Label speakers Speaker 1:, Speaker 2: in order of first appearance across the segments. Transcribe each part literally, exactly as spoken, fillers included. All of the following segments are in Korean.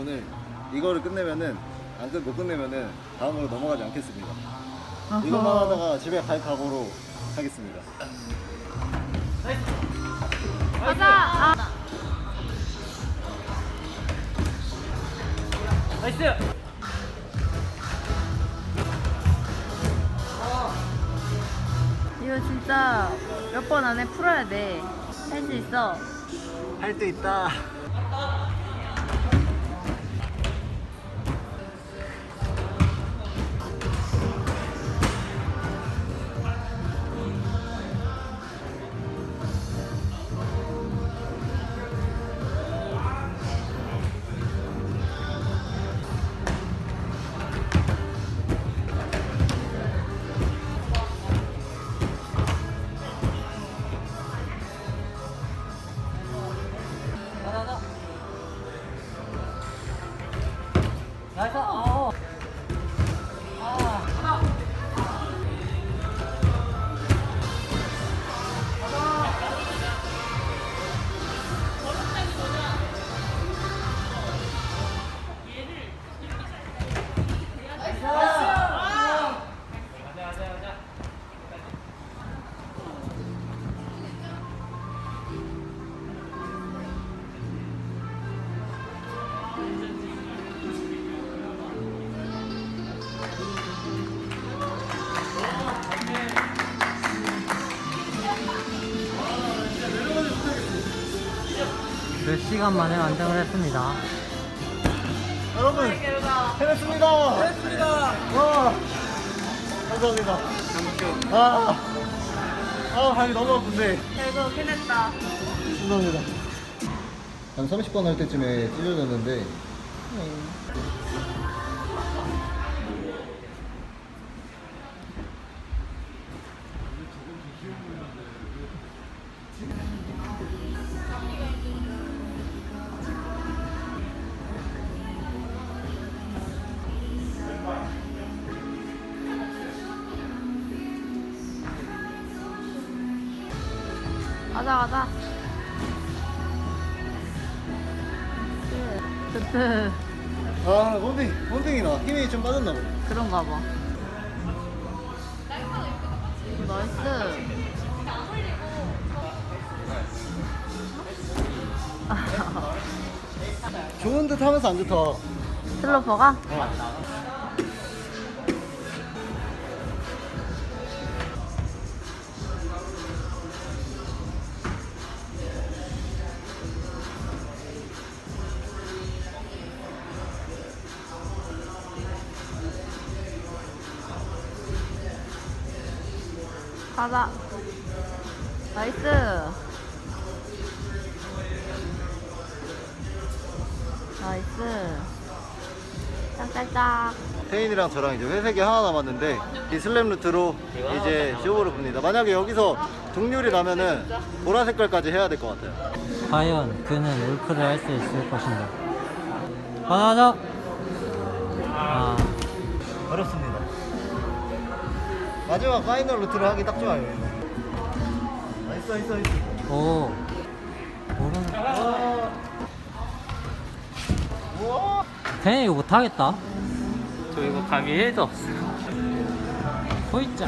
Speaker 1: 오늘 이거를 끝내면은 안 끝 못 끝내면은 다음으로 넘어가지 않겠습니다. 이것만 하다가 집에 갈 각오로 하겠습니다.
Speaker 2: 가자. 아.
Speaker 3: 나이스.
Speaker 2: 이거 진짜 몇 번 안에 풀어야 돼. 할 수 있어.
Speaker 1: 할 수 있다.
Speaker 3: 나이스. 어. 몇 시간 만에 완성을 했습니다.
Speaker 1: 여러분 해냈습니다. 해냈습니다. 와 감사합니다. 아, 아 발이 너무 아픈데.
Speaker 2: 결국 해냈다.
Speaker 1: 감사합니다. 한 삼십 번 할 때쯤에 찢어졌는데
Speaker 2: 가자 가자. 뜨뜨.
Speaker 1: 아 원딩 원딩이 나 힘이 좀 빠졌나 보네.
Speaker 2: 그런가 봐. 나이스.
Speaker 1: 좋은 듯 하면서 안 좋다.
Speaker 2: 슬로퍼가?
Speaker 1: 어.
Speaker 2: 가자. 나이스. 나이스. 짝짝짝.
Speaker 1: 태인이랑 저랑 이제 회색이 하나 남았는데 이 슬램 루트로 이제 쇼부를 봅니다. 만약에 여기서 동률이 나면은 보라 색깔까지 해야 될 것 같아요.
Speaker 3: 과연 그는 울프를 할 수 있을 것인가? 가자. 아,
Speaker 1: 어렵습니다. 마지막 파이널 루트로 하기 딱 좋아요. 나이스 나이스 나이스.
Speaker 3: 오. 오른.
Speaker 1: 우와.
Speaker 3: 걔네 이거 못하겠다.
Speaker 4: 저 이거 감이 일도 없어요.
Speaker 3: 호이짜.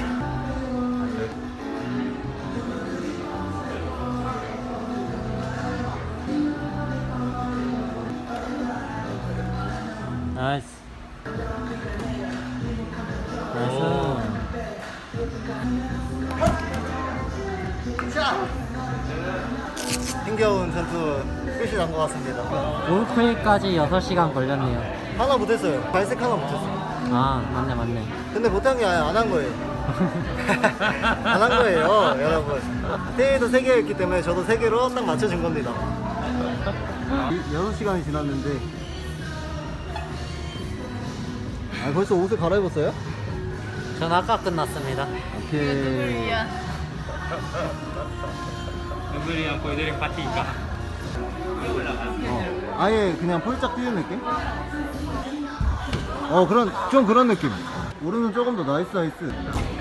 Speaker 3: 나이스. 나이스.
Speaker 1: 자. 힘겨운 전투 끝이 난 것 같습니다.
Speaker 3: 울프까지 여섯 시간 걸렸네요.
Speaker 1: 하나 못했어요. 발색 하나 못했어요.
Speaker 3: 아, 맞네, 맞네.
Speaker 1: 근데 못한 게 아니라 안 한 거예요. 안 한 거예요, 여러분. 태희도 세 개였기 때문에 저도 세 개로 딱 맞춰준 겁니다. 여섯 시간이 지났는데. 아, 벌써 옷을 갈아입었어요?
Speaker 3: 전 아까 끝났습니다.
Speaker 1: 오케이.
Speaker 4: 눈물이랑 보여드린 파티니까.
Speaker 1: 어, 아예 그냥 폴짝 뛰는 느낌? 어, 그런, 좀 그런 느낌. 오른은 조금 더 나이스, 나이스.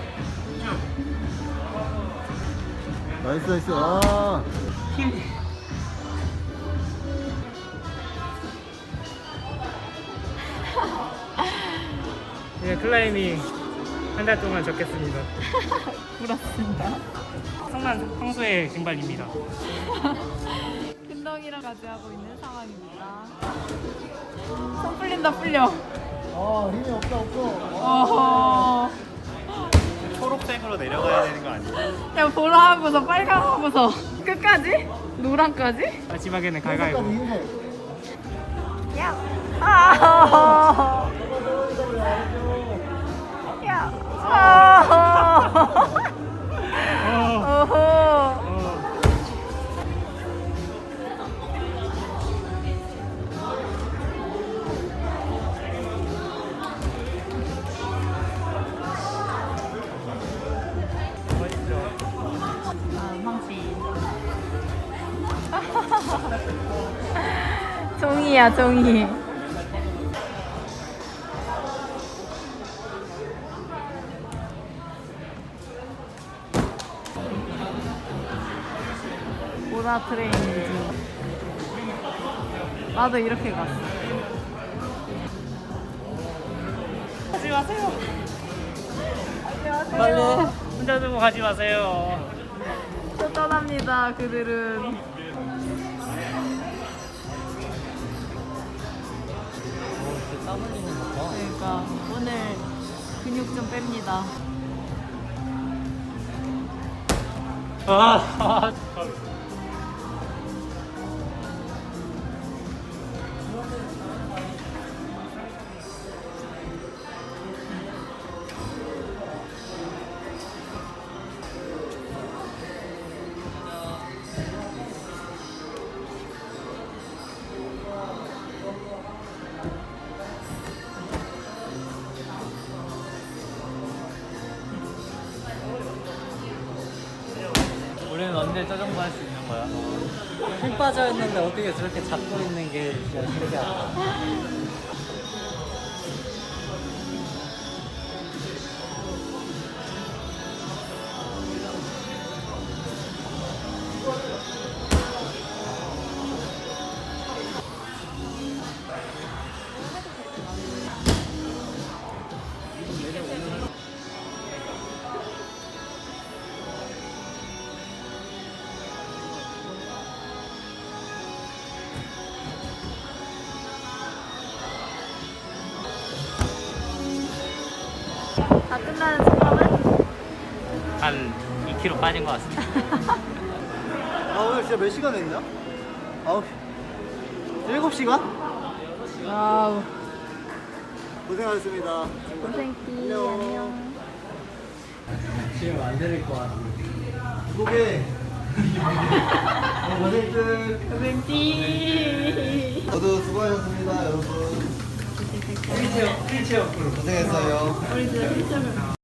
Speaker 1: 나이스, 나이스. 아.
Speaker 4: 힘. 오늘 클라이밍 한 달 동안 적겠습니다.
Speaker 2: 부럽습니다.
Speaker 4: 성난 평소의 증발입니다.
Speaker 2: 큰덩이랑 같이 하고 있는 상황입니다. 손 풀린다 풀려.
Speaker 1: 아 힘이 없다 없어.
Speaker 2: 어허.
Speaker 1: 초록색으로 내려가야 되는 거 아니야?
Speaker 2: 야 보라 하고서 빨강 하고서 끝까지? 노랑까지?
Speaker 4: 마지막에는 갈가위보.
Speaker 1: 흰색.
Speaker 2: 야. 아. 야. 아. 어허.
Speaker 4: 어.
Speaker 2: 아, 황씨. 종이야, 종이. 보라 트레이닝. 나도 이렇게 갔어.
Speaker 4: 가지 마세요.
Speaker 2: 빨리.
Speaker 4: 혼자 두고 가지 마세요.
Speaker 2: 또 떠납니다, 그들은.
Speaker 3: 땀 흘리는 거 봐.
Speaker 2: 그러니까 오늘 근육 좀 뺍니다.
Speaker 4: 아, 아, 우리는 언제 저 정도 할 수 있는 거야?
Speaker 3: 힘 빠져 있는데 어떻게 저렇게 잡고 있는 게 진짜 신기하다.
Speaker 2: 다 끝나는 소감은?
Speaker 4: 한 이 킬로그램 빠진 것 같습니다.
Speaker 1: 아 오늘 진짜 몇 시간 했냐? 아홉 일곱 시간?
Speaker 2: 와우.
Speaker 1: 고생하셨습니다.
Speaker 2: 고생키.
Speaker 1: 안녕.
Speaker 2: 안녕.
Speaker 3: 지금 안 들릴 것 같아.
Speaker 1: 고개. 고생들.
Speaker 2: 고생키.
Speaker 1: 모두 수고하셨습니다, 여러분.
Speaker 4: 휠체어, 휠체어 프로.
Speaker 1: 고생했어요.
Speaker 2: 우리 진짜 실제로.